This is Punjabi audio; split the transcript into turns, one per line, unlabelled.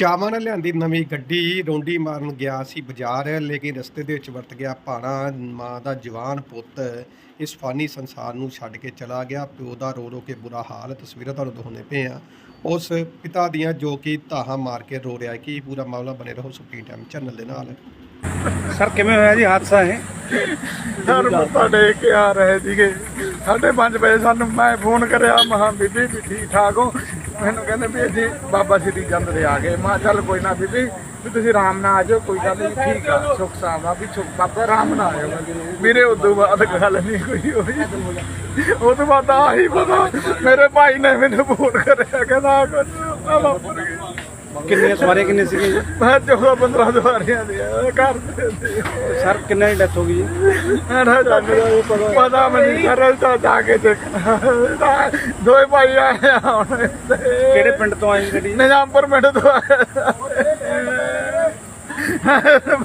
ਚਾਵਾਂ ਨਾਲ ਲਿਆਂਦੀ ਨਵੀਂ ਗੱਡੀ ਰੌਂਡੀ ਮਾਰਨ ਗਿਆ ਸੀ ਬਾਜ਼ਾਰ, ਲੇਕਿਨ ਰਸਤੇ ਦੇ ਵਿੱਚ ਵਰਤ ਗਿਆ ਭਾਣਾ। ਮਾਂ ਦਾ ਜਵਾਨ ਪੁੱਤ ਇਸ ਫਾਨੀ ਸੰਸਾਰ ਨੂੰ ਛੱਡ ਕੇ ਚਲਾ ਗਿਆ। ਪਿਓ ਦਾ ਰੋ ਰੋ ਕੇ ਬੁਰਾ ਹਾਲ, ਤਸਵੀਰਾਂ ਤੁਹਾਨੂੰ ਦਿਖਾਉਂਦੇ ਪਏ ਆ ਉਸ ਪਿਤਾ ਦੀਆਂ, ਜੋ ਕਿ ਧਾਹਾਂ ਮਾਰ ਕੇ ਰੋ ਰਿਹਾ। ਕੀ ਪੂਰਾ ਮਾਮਲਾ ਬਣੇ ਰਹੋ ਸੁਪਰੀਮ ਟਾਈਮ ਚੈਨਲ ਦੇ ਨਾਲ।
ਸਰ ਕਿਵੇਂ ਹੋਇਆ ਜੀ ਹਾਦਸਾ ਇਹ?
ਸਰ ਮੱਥਾ ਟੇਕ ਕੇ ਆ ਰਹੇ ਸੀਗੇ 5:30 ਵਜੇ ਸਾਨੂੰ ਮੈਂ ਫੋਨ ਕਰਿਆ, ਮਹਾਂ ਬੀਬੀ ਵੀ ਠੀਕ ਠਾਕ ਹੋ? ਮੈਨੂੰ ਕਹਿੰਦੇ ਵੀ ਜੀ ਬਾਬਾ ਸ਼੍ਰੀ ਚੰਦ ਦੇ ਆ ਗਏ। ਮੈਂ ਚੱਲ ਕੋਈ ਨਾ ਬੀਬੀ ਵੀ ਤੁਸੀਂ ਆਰਾਮ ਨਾਲ ਆ ਜਾਓ, ਕੋਈ ਗੱਲ ਨਹੀਂ, ਠੀਕ ਆ, ਸੁੱਖ ਸਾਵਾ ਵੀ ਸੁੱਖ ਬਾਬਾ ਆਰਾਮ ਨਾਲ ਆਇਓ। ਮੇਰੇ ਉਦੋਂ ਬਾਅਦ ਗੱਲ ਨਹੀਂ ਕੋਈ ਹੋਈ। ਉਹ ਤੋਂ ਬਾਅਦ ਆਹੀ ਪਤਾ ਮੇਰੇ ਭਾਈ ਨੇ ਮੈਨੂੰ ਫੋਨ ਕਰਿਆ, ਕਹਿੰਦਾ ਆ ਕੁਝ ਵਾਪਰ ਗਿਆ।
ਕਿੰਨੀਆਂ ਸਵਾਰੀਆਂ ਕਿੰਨੇ ਸੀਗੇ ਜੀ?
ਮੈਂ 14-15 ਸਵਾਰੀਆਂ ਦੇ ਘਰ ਦੇ।
ਸਰ ਕਿੰਨਾਂ ਦੀ ਡੈਥ ਹੋ ਗਈ ਜੀ?
ਪਤਾ ਮੈਨੂੰ ਸਰ ਤਾਂ ਜਾ ਕੇ ਦੇਖਣਾ। ਦੋਏ ਭਾਈ ਆਏ ਹੁਣ।
ਕਿਹੜੇ ਪਿੰਡ ਤੋਂ ਆਈ ਗੱਡੀ?
ਨਿਜ਼ਾਮਪੁਰ ਪਿੰਡ ਤੋਂ ਆਏ।